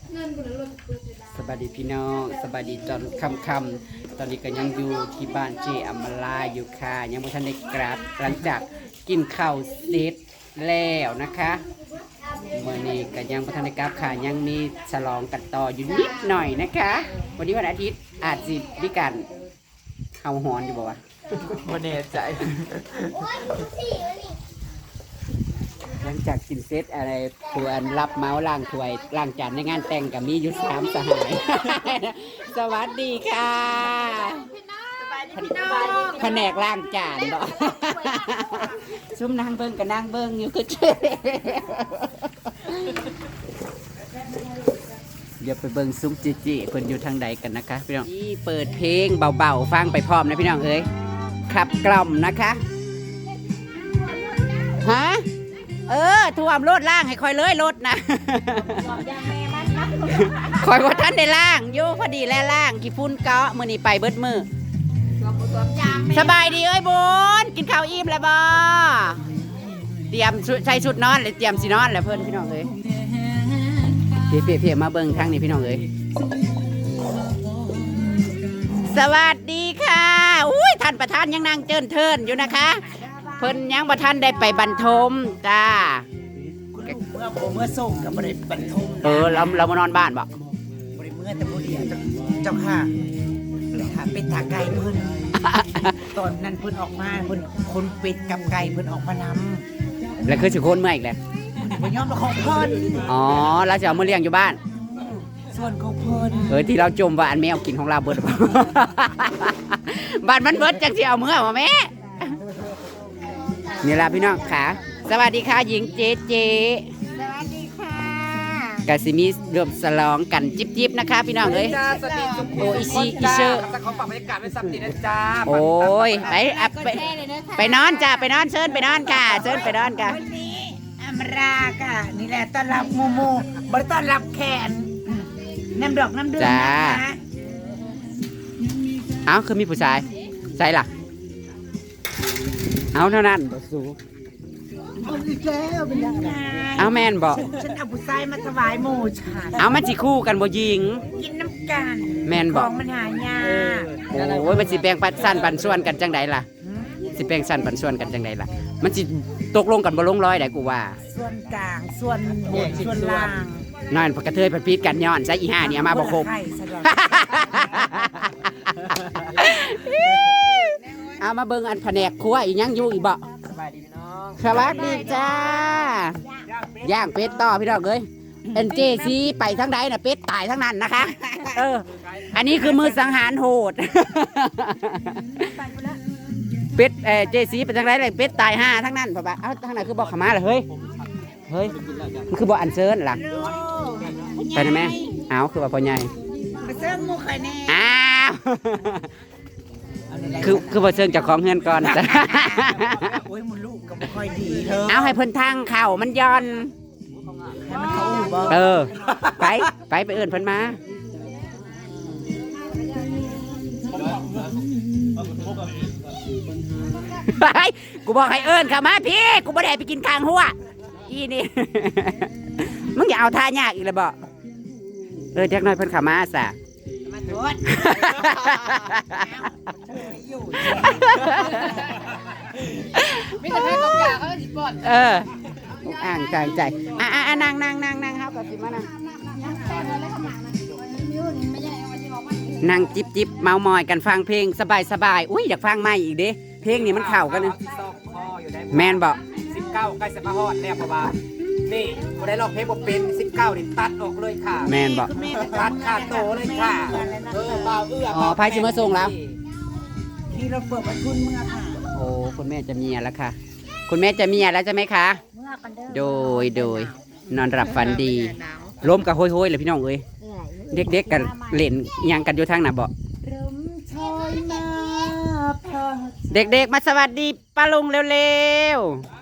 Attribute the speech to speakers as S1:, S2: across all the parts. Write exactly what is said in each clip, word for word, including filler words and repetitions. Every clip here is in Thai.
S1: สบายดีพี่น้องสบายดีตอนค่ำๆตอนนี้ก็ยังอยู่ที่บ้านเจอมลาอยู่ค่ะยังไม่ทันได้กลับหลังจากกินข้าวเสร็จแล้วนะคะเมื่อนี้ก็ยังไม่ทันได้กลับค่ะยังมีฉลองกันต่ออยู่นิดหน่อยนะคะ วันนี้วันอาทิตย์อาจสิมีการเฮาหอนอยู่บ่วะ
S2: บ่แน่ใจ
S1: หลังจากกินเซตอะไรควรรับเมาส์ล้างถ้วยล้างจานในงานแต่งกับมีอยู่สามสหาย สวัสดีค่ะแผนกล้างจานเนาะ ซุ่มนางเบิ้งกับนางเบิ้งอยู่ก็เช่เดี๋ยวไปเบิ้งซุ้มจีจีเพิ่นอยู่ทางใดกันนะคะพี่น้องที่เปิดเพลงเบาๆฟังไปพร้อมนะพี่น้องเอ้ยขับกล่อมนะคะฮะเออท่วมรถล่างให้คอยเลยรถนะ คอยว่าท่านได้ล่างโยพอดีแล้วล่างกี่พุ่นเกาะมือนี่ไปเบิดมือสบายดีเอ้ยบุญกินข้าวอิ่มแล้วบ่เตรียมใช้ชุดนอนเลยเตรียมสีนอนแล้วเพื่อนพี่น้องเอ้ยเพียเพียมาเบิ้งทางนี้พี่น้องเอ้ยสวัสดีค่ะอุ้ยท่านประธานยังนั่งเจินเทินอยู่นะคะเพิ่นยังประธานได้ไปบรรทมจ้า
S2: เมื่อผมเมื่อส่งกับบริษัทบรรทุก
S1: เออเราเรามานอนบ้านบ่
S2: บริเมื่อแต่บริเดียวเจ้าค่ะค่ะเป็นตาไก่เพิ่นตอนนั้นเพิ่นออกมาเพิ่นคนเป็ดกับไก่เพิ่นออกมาน
S1: ำแล้วคือสิโคนเมื่ออีกแล้ว
S2: เพิ่นยอมของเพิ่น
S1: อ๋อเราจะเอามาเลี้ยงอยู่บ้าน
S2: ส่วนของเพิ่น
S1: เออที่เราจมว่าอันแมวกินของเราเบิด บ้านมันเบิดจังสิเอาเมื่อบ่แม่นี่ล่ะพี่น้องค่ะสวัสดีค่ะหญิงเจเจ
S3: สวัสดีค่ะ
S1: กาซิมิรวมสลองกันจิบจิบนะคะพี่น้องเอ้ยโอ้ยซีอีเชอร์
S2: จะขอปรับบรรยากาศเป็นสัมผัสนะจ้า
S1: โอ้ยไปไปไปนอนจ้าไปนอนเชิญไปนอนค่ะเชิญไปนอนค่ะ
S2: วันนี้อมราค่ะนี่แหละต้อนรับมูมูบริต้อนรับแขนน้ำดอกน้ำเดือดนะคะ
S1: เอ้าคือมีผู้ชายใช่ล่ะเอาเท่านั้นบ่สู้เอาแม่นบอก
S2: ฉันเอาผู้ชายมาถวายหมู่ฉัน
S1: เอามันสิคู่กันบ่ยิง
S2: กินน้ำกัน
S1: แม่นบอก
S2: มันหายาก
S1: โอ้ยมันสิแบ่งปันสั้นปันส่วนกันจังใดล่ะสิแบ่งสั้นปันส่วนกันจังใดล่ะมันสิตกลงกันบ่ลงร้อยได้กูว่า
S2: ส่วนกลางส่วนบนส่วนล่าง
S1: นั่นกระเทยพันปีกันย้อนใช้อีห้านี่มาบ่ครบเอามาเบิ่งอันแผนกครัวอีหยังอยู่อีกบ่
S2: สบายดีพี่น้อง
S1: สวัสดีจ้าย่างเป็ดต่อพี่น้องเอ้ยเอ็นเจซีไปทั้งใดน่ะเป็ดตายทั้งนั้นนะคะเอออันนี้คือมือสังหารโหดเป็ดเอเจซีไปทั้งใดเลยเป็ดตายห้าทั้งนั้นพ่อบ้าเอ้าทั้งนั้นคือบอกขมาเลยเฮ้ยเฮ้ยมันคือบอกอันเซิร์นล่ะไปนะแม่เอาคือว่าพ่อใหญ่
S2: ไปเซิร์นมูไข่แน่
S1: อ้าวคือคือบ่เชิงจากของเฮือนก่อนจ้ะ
S2: โอ้ยมันลูกก็บ่ค่อยดีเธอ
S1: เอาให้เพิ่นทางเข่ามันย้อน
S2: ให้มันเข้าอู่บ่
S1: เออไปไปไปเอิ้นเพิ่นมาไปกูบอกให้เอิ้นเข้ามาพี่กูบ่ได้ไปกินข้างหัวอีนี่มึงอย่าเอาท่ายากอีกเลยบ่เออจักหน่อยเพิ่นเข้ามาซะ
S2: มาโทษ
S3: ไม่แต่ใครตกยาเขาจะปลด
S1: เอออ่างใจใจอ่ะอ่ะนั่งนั่งนั่งนั่งครับกับสิมานั่งนั่งจิบจิบเมามอยกันฟังเพลงสบายสบายอุ้ยอยากฟังใหม่อีกเด้เพลงนี้มันเข้ากันนะแมนบอก
S2: สิบเก้าใกล้จะมาฮอดแล้วพ่อบ้านี่บ่ได้ร้องเพลงบ่เป็นสิบเก้านี่ตัดออกเลยค่ะ
S1: แมนบอก
S2: ตัดขาดโตเลยค่ะเออเบาเอื้อ
S1: อ๋อไพ่ชิมาส่งแล้ว
S2: ที่เราเปิดประทุนเมื่อค่ะ
S1: โอ้คุณแม่จะมีแล้วค่ะคุณแม่จะมีแล้วใช่ไหมคะโดยโดยนอนหลับฝันดีล้มกับโห้ยๆเลยพี่น้องเอ้ยเด็กๆกันเล่นยังกันอยู่ทางหน้าบ่เด็กๆมาสวัสดีป้าลุงเร็ว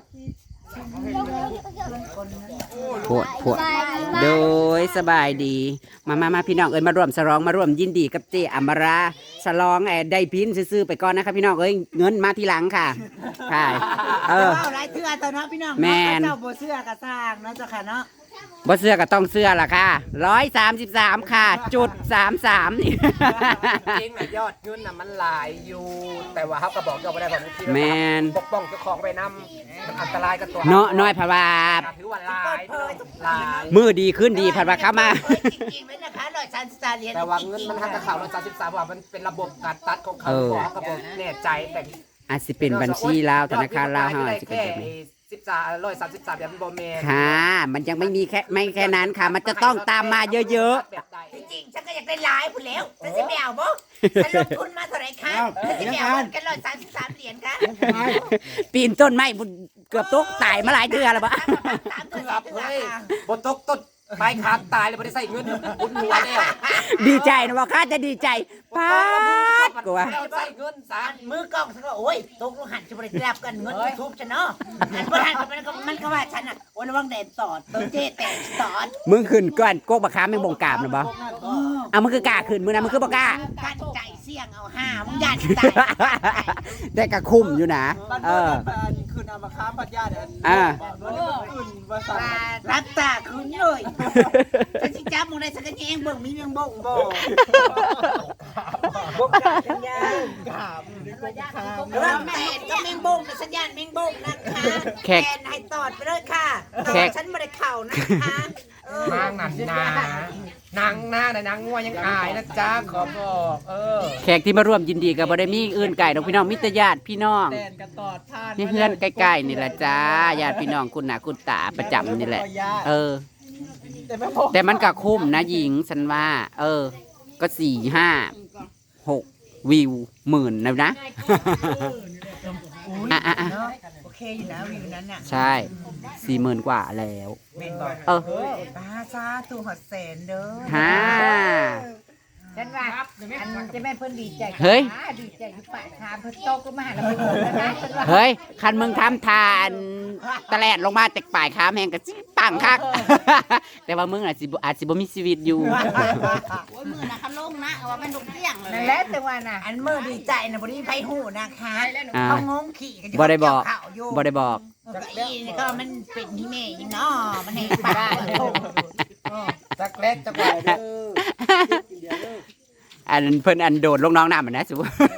S1: ๆปวดปวดโดยสบายดีมามามาพี่น้องเอ้ยมาร่วมฉลองมาร่วมยินดีกับเจอมราฉลองไอ้ได้พินซื้อไปก่อนนะครับพี่น้องเอ้ยเงินมาทีหลังค่ะใช่เออ
S2: เอาไรเสื้อตัวเนาะพี่น้อง
S1: แม่
S2: เจ้าโบเสื้อกระซ่างเนาะเจ้าค่ะเนาะ
S1: บ่เสื้อก็ต้องเสื้อล่ะค่ะร้อยสามสิบสามค่ะ จุดสามสามนี่
S4: จริงนะยอดเงินน่ะมันหลายอยู่ แต่ว่าเขาก็บอกเราไม่ได้บอกที่
S1: แมน
S4: ปกป้องเจ้าของไปนำมันอันตรายกับตัว
S1: เนาะน้อยพะวา
S4: ถือว่าหลายหลาย
S1: มือดีขึ้นดีพัดว่าเข้ามา
S2: จริงๆไหมนะคะร้อยสามสิบสามเหรียญ
S4: แต่ว่าเงินมันทำกับข่าวเราสามสิบสามว่ามันเป็นระบบการตัดของเขา
S1: เออ
S4: บอกเขาบอกแน่ใจแต่
S1: อาจสิเป็นบัญชีลาวธนาคารลาวเฮาอาจสิเป็น
S4: แค่
S1: แบบนี้
S4: สิบสามร้อยสามสิบสามแบบโบแมน
S1: ค่ะ มันยังไม่มีแค่ไม่แค่นั้นค่ะ มันจะต้องตามมาเยอะ
S4: แบบใด
S2: จริงๆฉันก็อยากได้หลายพุ่นแล้วฉันจะไม่เอาบ่ฉันลงทุนมาเท่าไหร่คะฉันจะไม่เอากันร้อยสามสิบสามเหรียญคะ
S1: ๆ ปีนต้นไม้บุญเกือบตกตายมาหลายเดือนแล้วปะ
S2: สามตัว
S4: เกือบ
S2: สี่
S4: เฮ้ย
S2: ตัว
S4: บนตกต้นใบขาดตายเลยไม่ได้ใส่เงินบุญหัวแล้ว
S1: ดีใจนะว่าข้าจะดีใจป้าดกว่า
S4: เราใส่เงินสาม
S2: มือกล้องฉันก็โอ้ยตกลงหันจะบริจาคกันเงินยูทูบฉันเนาะหันบริหันมันก็มันก็ว่าฉันอ่ะโอ้ยระวังแดดสอดตัวเจ๊แตกสอด
S1: มึงขึ้นก่อนโกกบักค้าแม่งบงกราบนะบ่เอามึงคือกล้าขึ้นมึงนะมึงคือบ่กล้า
S2: การใจเสี่ยงเอาห้ามึงยันใจ
S1: แต่กะคุ้มอยู่นะ เออ
S5: คืนอามาค้าปัญญาเนี่ย
S1: อ่า
S5: คืนภาษา
S2: รับตาคืนเลยฉันสิจ้ามึงได้สักแยงเบิ่งมีเมียงบ่งบ่บ่กล้าสัญญาณ
S5: ขามนี่ก็ขาม
S2: เริ่มแต่ก็เมียงบ่งสัญญาณเมียงบ่งนะคะแขนให้ตอดไปเลยค่ะตอดฉันไม่ได้เข่านะคะ
S4: นางหนันนานางหน้าแต่นางงัวยังอายนะจ๊ะขอบอกเออ
S1: แขกที่มาร่วมยินดีกับบ่ได้มีอื่นไก่ดอกพี่น้องมิตรญาติพี่น้อง
S5: แดนกันตอดท่าน
S1: นี่เพื่อนใกล้ๆนี่แหละจ้าญาติพี่น้องคุณหนาคุณตาประจำนี่แหละ เออ
S5: แต่ไม่พอ
S1: แต่มันก็คุ้มนะหญิงฉันว่า เออ ก็สี่ห้าหกวิวหมื่นนะนะ อ่ะอ่ะอ่ะ
S2: โอเคอยู่นะวิวนั้นน่ะ
S1: ใช่สี่หมื่นกว่าแล้ว
S2: เมนบอก
S1: เออ
S2: ป้าซาตูหอดแสนเด้อ
S1: ฮ่า
S3: ฉันว่าอันจะแม่เพิ่นดีใจ
S1: เฮ้ย
S3: ดีใจอยู่ปากทางเพิ่นโตก็มาหาแล้วเพิ่นบอกแล้วนะฉันว่า
S1: เฮ้ย คันมึงทำทานตะแลดลงมาแต่ป่ายค้ามแหงก็สิปังคัก แต่ว่ามึงอาจสิบ่อาจสิบ่มีชีวิตอยู่
S6: โอ้ยมือนะเขาลงนะเอาว่ามันดุเตี้ยงเลย
S3: นั่นแหละแต่ว่าน่ะ
S2: อันเมื่อดีใจนะบริไฟหูนะคะ
S1: อ่า
S2: เขางงขี่กัน
S1: บ่ได้บอก
S2: ข่าวอยู่
S1: บ่ได้บอก
S2: ก็อีนี่ก็มันเป็นที่แม่อีเนาะมันให้ป้า
S4: จักเล็กจักใหญ่เด้อ
S1: อันเพิ่นอันโดดลงน้องน้ำมันนะสู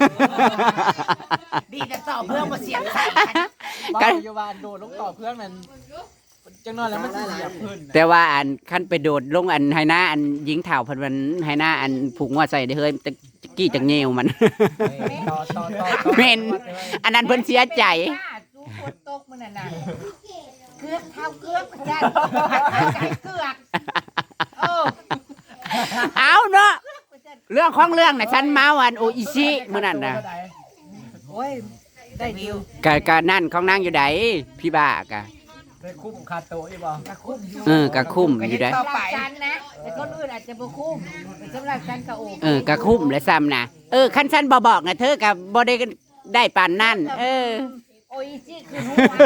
S2: ดีแต่ต่อเพื่อนมาเสียบใส่กัน
S5: บ้านโยบานโดดลงต่อเพื่อนมันจังนอนแล้วมันเสียบพื้น
S1: แต่ว่าอันขั้นไปโดดลงอันไฮหน้าอันยิงเถ่าเพันวันไฮหน้าอันผูกงวดใส่ได้เฮ้ยตะกี้จังเงียวมัน
S4: ต่อต่อต่อ
S1: เมนอันนั้นเพิ่นเสียใจ
S3: สู้ฝนตกมื้อนั้นน่ะเกือบเท้าเกือบได้ใจเกือกเออ
S1: เอาเนาะเรื่องของเรื่องน่ะฉันเมาอันโออิชิมื้อนั้นน่ะ
S3: โอ้ยได้วิว
S1: กะกะนั่นของนางอยู่ใดพี่บ้ากะ
S4: ได้คุ้มคาโตะอีบ่
S3: กะคุ้มอยู่
S1: เออกะคุ้มอยู่ใด
S3: สำหรับฉันนะแต่คนอื่นอาจจะบ่คุ้มแต่สำหรับฉันก็โอเค
S1: เออกะคุ้มและซ้ำนะเออคันฉันบ่บอกนะเธอก็บ่ได้ได้ปานนั่นเออ
S3: โอ้ยสิคือหัว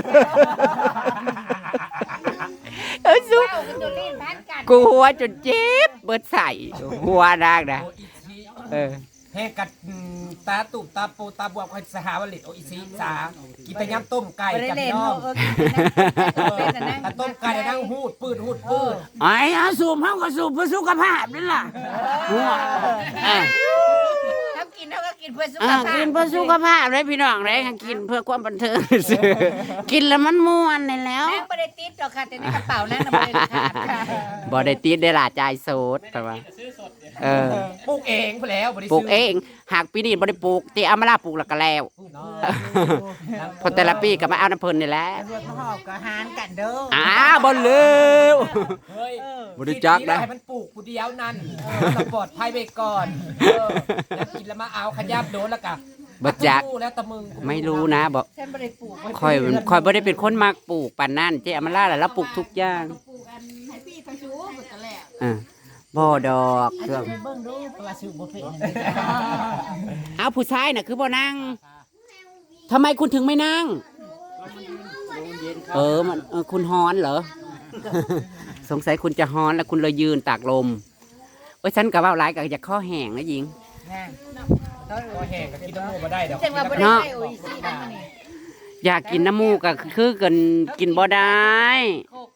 S1: เออสุ
S3: เจ้ากับตัวเล่นพันกัน
S1: กูหัวจนเจ็บเบิดใส่หัวนางนะ
S4: โออิชิ
S1: เออ
S4: แห่กัดตาตุบตาปูตาบวบคอยสหาวลิตโออิซิสากินแต่ยำต้มไก่
S3: บ่ได้
S4: กับ
S3: เล่น
S4: น้อง
S3: เออกินแต่น้ำเล่นน่ะนั่ง
S4: ถ้าต้มไก่นั่งหูดปืดหูดปืด
S1: ไอ้อาสูบเฮาก็สูบเพื่อสุขภาพนั่นล่ะหัวอ่ะ
S3: เขากินเขาก็กินเพื่อสุข
S1: อ่ะ
S3: ภาพ
S1: กินเพื่อสุขภาพเลยพี่น้องเลยกินเพื่อความบันเทิงซื่อกินแล้วมันม่วนนี่แล้ว
S3: นั่งไม่ได้ติดหรอกค่ะแต่ในกระเป๋านั่งน่ะไม่ได้ขาดค่ะ
S1: บ่ได้ติดได้ล่ะจ่ายโสดแต่ว่าเออ
S4: ปลูกเองไปแล้วบ่ได้
S1: ปลูก
S4: ซื้
S1: เองหากปีนี้บ่ได้ปลูกที่เอามาลาปลูกแล้วก็แล้วพอแต่ละปีก็มาเอาน้ำเพิ่นนี่แหละ
S2: รวมหอบกับหานกันเด้อ
S1: อ้าวบ่ลืม
S4: เฮ้ย
S1: บ่รู้จักนะ
S4: ให้มันปลูกผู้เดียวนั่นเออเราปลอดภัยไปก่อนเออแล้วกินแล้วมาเอาขยับโดนแล้วกะ
S1: บ่จัก
S4: รู้แล้วแต่มึง
S1: ไม่รู้นะบ่
S3: ฉันไม่ได้ปลูกไว้
S1: ค่อยค่อยบ่ได้เป็นคนมักปลูกปานนั้นเจ๊อำมาลาแล้วเราปลูกทุกอย่าง
S6: ปลูกอันให้พี่ไปชูหมดกันแล้ว
S1: อ่าบ่ดอกเครื่อง
S2: เบิ่งดูว่าซื้อบ่เป็น
S1: เอาผู้ชายน่ะคือบ่นั่งทำไมคุณถึงไม่นั่ง เออมันเออคุณฮ้อนเหรอ สงสัยคุณจะฮ้อนแล้วคุณเลยยืนตากลมโอ้ยฉันก็เว้าหลายก็จะข้อแห้งนะหญิง
S4: ก็แห้งก็กินน้ำมูกมาได้เดี๋ยว
S3: จังว่าบ่ได้
S1: เนาะ
S3: ใส่โอ้ยสินั่นมานี่
S1: อยากกินน้ำมูกก็คือกันกินบ่ได้
S3: โคกเอ้ย
S1: ผู้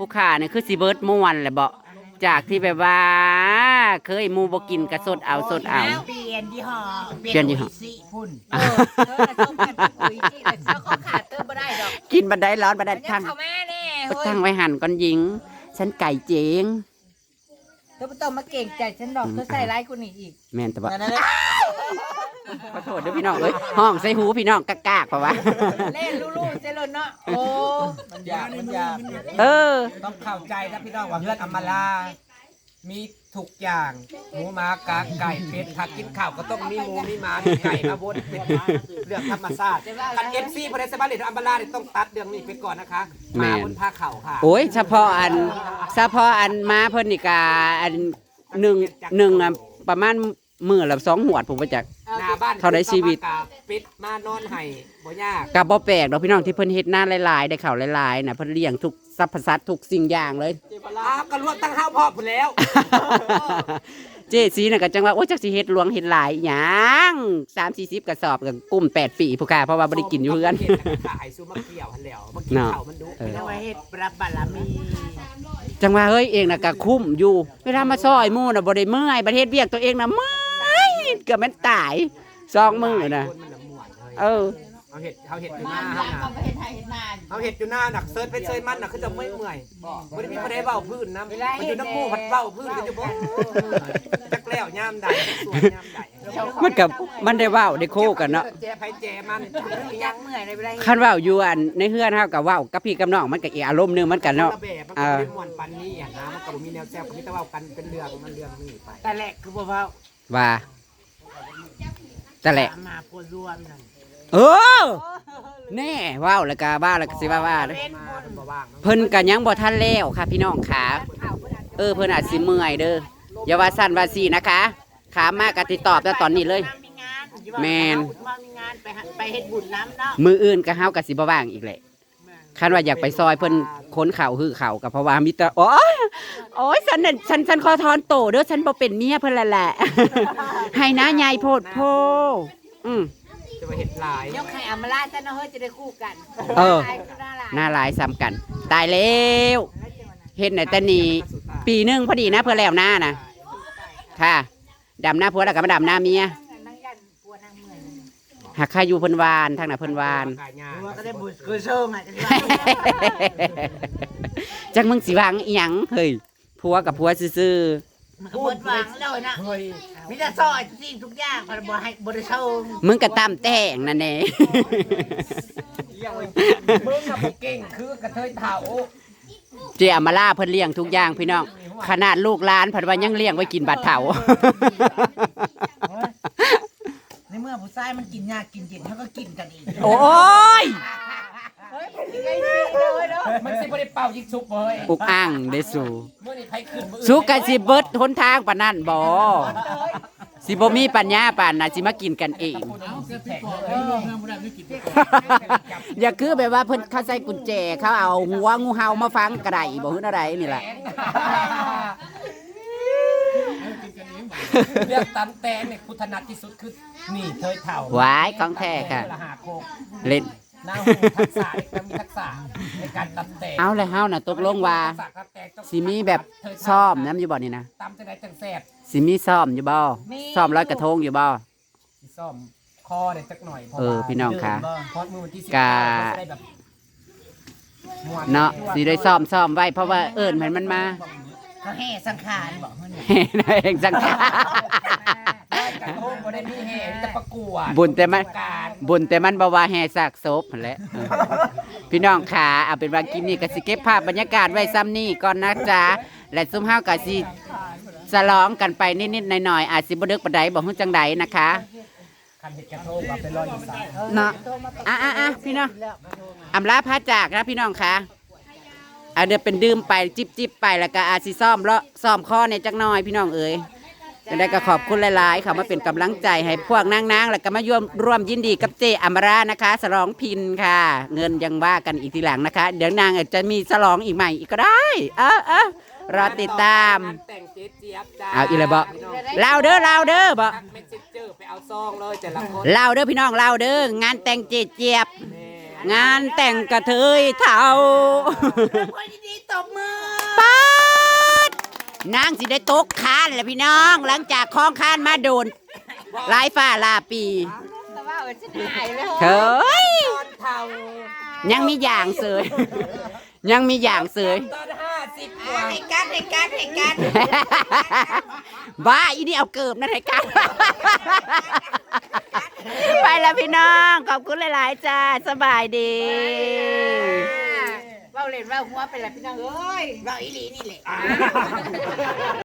S1: ผู้ขาเนี่ยคือสิเบิร์ดม่วนแหละบ่จากที่แบบว่า เคยหมูบ่กินกระสดเอาสดเอา
S2: เปลี่ยนยี่ห้อ
S1: เปลี่ยนยี่ห้อ
S2: สีพุ่น
S3: เออเธอน่ะต้องการเป็นปุ๋ยที่แต่เจ้าเขาขาดเติมบ่ได้ดอก
S1: กินบันไดร้อนบันได
S3: มันยั
S1: ทั้
S3: ง
S1: ง
S3: เข้ามาแน่เฮ้ย
S1: ทั้งไว้หั่นก่อนหญิง ฉันไก่เจง
S3: เธอบ่ต้องมาเก่งใจฉันดอกเธอใส่ร้ายกูนี่อีก
S1: แม่นแต่ว่า
S5: นั่นแหละ
S1: ขอโทษเด้วยพี่น้องเอ้ยห้องใส่หูพี่น้องกากๆเพราะว่า
S3: เล่นลู่ๆเจริญเนาะโอ้
S4: มันยากมันยาก
S1: เออ
S4: ต้องเข้าใจนะพี่น้องว่าเพื่อนอำมาลา มีทุกอย่างหมูหมากาไก่เป็ดถ้ากินข้าวก็ต้องมีหมูมีหมามีไก่มาบดเป็นเรื่องธรรมชาติกันเอฟซีพอได้สบายเลยอัมบาลาเนี่ยต้องตัดเรื่องนี้ไปก่อนนะคะหมาบนผ้าเข่าค่ะ
S1: โอ้ยเฉพาะอันเฉพาะอันมาเพิ่นนี่กาอันหนึ่งหนึ่งอะประมาณมื้อละสองหัวดผมว่าจัก
S4: หน้าบ้าน
S1: เท่าใดชีวิต
S4: ปิดมานอนไห้บ่ยาก
S1: กับบ่แปลกดอกพี่น้องที่เพิ่นเฮ็ดหน้าหลายๆได้ข้าวหลายๆน่ะเพิ่นเลี้ยงทุกสรรพสัตว์ทุกสิ่งอย่างเลย
S4: อ้าวก็รวมตั้งห้าพ่อพุ่นแล้ว
S1: เจสีน่ะก็จังว่าโอ้ยจักสิเฮ็ดหลวงเฮ็ดหลายหยังสามสี่สิบกระสอบกับกุ้มแปดปีผู้ค่าเพราะว่าบ่ได้กินอยู่เฮือน
S4: ขายซูมาเกี่ยวหันแล้วมากินข้าวมันดุ
S1: เออ
S2: เอาไว้เฮ็ดรับบารมี
S1: จังว่าเฮ้ยเองน่ะก็คุ้มอยู่เวลามาซอยหมู่น่ะบ่ได้เมื่อยประเทศเวียกตัวเองน่ะเมื่อยเกือบแม่นตายสองมื้อน่ะ
S4: คนมันละม่วนเลย
S1: เออ
S4: เอาเห็ดเอาเห็ดอยู่หน้า
S6: มา
S4: เฮา
S6: เอา
S4: น่ะ
S6: ไปเห็นไทยเห็นนาน
S4: เอาเห็ดอยู่หน้าหนักเซิร์ชไปเซิร์ชมันน่ะคือจะไม่เมื่อยบ่ได้มีคนใดเว้าพื้นนะมันอยู่น้ำหมู่พัดเว้าพื้นกันอยู่บ่จักแล้วยามใดสวยยามใด
S1: มันกับมันได้เว้าได้โคกันเนาะ
S4: แจไผแจมัน
S3: ยักเมื่อยในเวลา
S1: คันเว้าอยู่อันในเฮือนเฮาก็เว้ากับพี่กับน้องมันก็อีกอารมณ์หนึงมันกันเนาะ
S4: แบบมันก็บ่ได้ม่วนปานนี้อ่ะนะมันก็บ่มีแนวแซ่บก็มีแต่เว้ากันเป็นเรื่องมันเรื่องนี้ไป
S2: แต่แหละคือบ่เว้า
S1: ว่าแต่แหละ
S2: ตามมาพวรวมนั่น
S1: เออแน่เว้าแล้วก็บ้าแล้วก็สิว่าว่าเด้อ
S4: มาเพิ่นบ่ว่างเนาะ
S1: เพิ่นก็ยังบ่ทันแล้วค่ะพี่น้องขาเออเพิ่นอาจสิเมื่อยเด้ออย่าว่าสั่นว่าซี่นะคะขามากก็ติดตอบแต่ตอนนี้เลย
S2: มีงาน
S1: แม่น
S2: ว่ามีงานไปหาไปเฮ็ดบุญน้ำเนาะ
S1: มืออื่นก็เฮาก็สิบ่ว่างอีกแหละคันว่าอยากไปซอยเพิ่นค้นเข่าหื้อเข่าก็เพราะว่ามีแต่โอ้ยโอ้ยฉันน่ะฉันฉันขอถอนโตเด้อฉันบ่เป็นเมียเพิ่นแล้วแหละ ให้นะยายโพดโพอืม
S4: จะมาเห็ดหลาย
S3: ยกให้อำมาลาซะเนาะเฮ้ยจะได้คู่กัน
S1: เออ
S3: ตายก็น่ารัก
S1: หน้าหลายซ้ำกัน ตายแล้วเฮ็ดไหนแต่นี่ปีหนึงพอดีนะเพื่อแล้วหน้านะค่ะดำหน้าผัวแล้วก็มาดำหน้าเมีย
S3: นั่งยันปัวนางเมื่อย
S1: หากใครอยู่เพิ่นวานทางน่ะเพิ่นวาน
S4: กายยา
S2: ว่าก็ได้บุญคือเชิงอ่ะจังว่า
S1: จักมึงสิวางอีหยังเฮ้ยผัวกับผัวซื่อ
S2: มันก็เบิดหวังเลยนะ
S4: เฮ้ย
S2: มีแต่ซอยทุกสิ่งทุกอย่างพอบ่ให้บ่ได้เชิง
S1: ๆมึงก็ตามแต่งนั่นแหละ
S4: มึงอะบ่เก่งคือกระเทยเฒ่า
S1: เจอามาล่าเพิ่นเลี้ยงทุกอย่างพี่น้องขนาดลูกหลานเพิ่นว่ายังเลี้ยงไว้กินบัดเฒ่า
S2: ในเมื่อผู้ชายมันกินยากกินเย็นเขาก็กินกันอีก
S1: โอ้ย
S3: เฮ้ยเป็นยังไงสิเลยเนาะ
S4: มันสิบ่ได้เป่ายิงชุบเฮ้ย
S1: อุกอ่างได้สู่
S4: มื้อนี้ไผขึ้นมื้อ
S1: สุกันสิเบิดหนทางปานนั้นบ่สิบ่มีปัญญาปานน่ะสิมากินกันเอง อย่าคือแบบว่าเพิ่นเขาใส่กุญแจเขาเอาหัวงูเห่ามาฟังกระไดบ่ฮื้ออะไรนี่แหละ
S4: เรื่องตำแตงเนี่ยกูถนัดที่สุดคือนี่เทยเฒ่า
S1: หวายของแท้ค่ะ
S4: ละหาโคก
S1: เล่น
S4: หน้าหูทักษะต้องมีทักษะในการตำแตง
S1: เอาเลยเฮาน่ะตกลงว่า
S4: ทักษะตำแตงต้อง
S1: สิมีแบบซ่อมน้ำอยู่บ่นี่นะ
S4: ตำจะได้จังแซ่บ
S1: สิมีซ่อมอยู่บ่ซ่อมร้อยกระทงอยู่บ่
S4: สิซ่อมคอเนี่ยจักหน่อยพราะ
S1: เออ
S4: ว่า
S1: พี่น้องค่ะ
S4: พอดมือวันที่สิบ
S1: กา
S4: เก้าก็จะได้แบบม่วน
S1: เนาะสิได้ซ่อมซ่อมไว้เพราะว่าเอิ้นมันมันมา
S2: เขาแห่สังขารบอกเพิ่น
S1: เห็นเองสังขาร
S4: ได้กระทงบ่ได้มีแห่มีแต่ประกวด
S1: บุญแต่มัน
S4: การ
S1: บุญแต่มันบ่ว่าแห่ซากศพนั่นแหละเออพี่น้องขาเอาเป็นว่าคลิปนี้ก็สิเก็บภาพบรรยากาศไว้ซ้ำนี่ก่อนนะจ๊ะและซุ่มเฮาก็สิฉลองกันไปนิดๆหน่อยๆอาจสิบ่ดึกปานใดบ่ฮู้จังใดนะคะ
S4: คันเห็ดกระทงแบบเป็นรอยอีสาน
S1: เนาะอ่ะอ่ะอ่ะพี่น้องอำลาพาจากนะพี่น้องค่ะเอาเดี๋ยวเป็นดื่มไปจิบจิบไปแล้วก็อาจสิซ่อมเลาะซ่อมข้อเนี่ยจักหน่อยพี่น้องเอ๋ยจะได้ก็ขอบคุณหลายๆค่ะมาเป็นกำลังใจให้พวกนางๆแล้วก็มาร่วมร่วมยินดีกับเจอมรานะคะฉลองพินค่ะ เงินยังว่ากันอีกทีหลังนะคะ เดี๋ยวนางอาจจะมีฉลองอีกใหม่อีกก็ได้เออเออรอติดตาม
S4: แต่งเจ๊เจี๊ยบจ้า
S1: เอาอีเลยบ่
S4: พี่น้อง
S1: เล่าเด้อเล่าเด้อบ่
S4: ทักเมสเซนเจอร์ไปเอาซองเลยแต่ละคน
S1: เล่าเด้อพี่น้องเล่าเด้องานแต่งเจเจี๊ยบ
S4: แม่
S1: งานแต่งกระเทยเท่า
S3: คนดีๆตบมือ
S1: ป๊าดนางสิได้ตกคานแหละพี่น้อง หลังจากคล้องคานมาโดนหลายฟ้าลาปี
S3: แต่ว่าเออฉันหายเลย
S1: เฮ้ย
S4: ตอนเท่า
S1: ยังมีอย่างเสย ยังมีอย่างเสย
S4: ตอนห้าสิบกว่า
S3: ให้กันให้กันให้กัน
S1: บ้าอีนี่เอาเกิบนั่นให้กัน ไปแล้วพี่น้อง ขอบคุณหลาย ๆ จ้า สบายดี
S3: เว้าเล่นเว้าหัวไปแล้วพี่น้องเอ้ยเว้าอีหลีนี่แหละ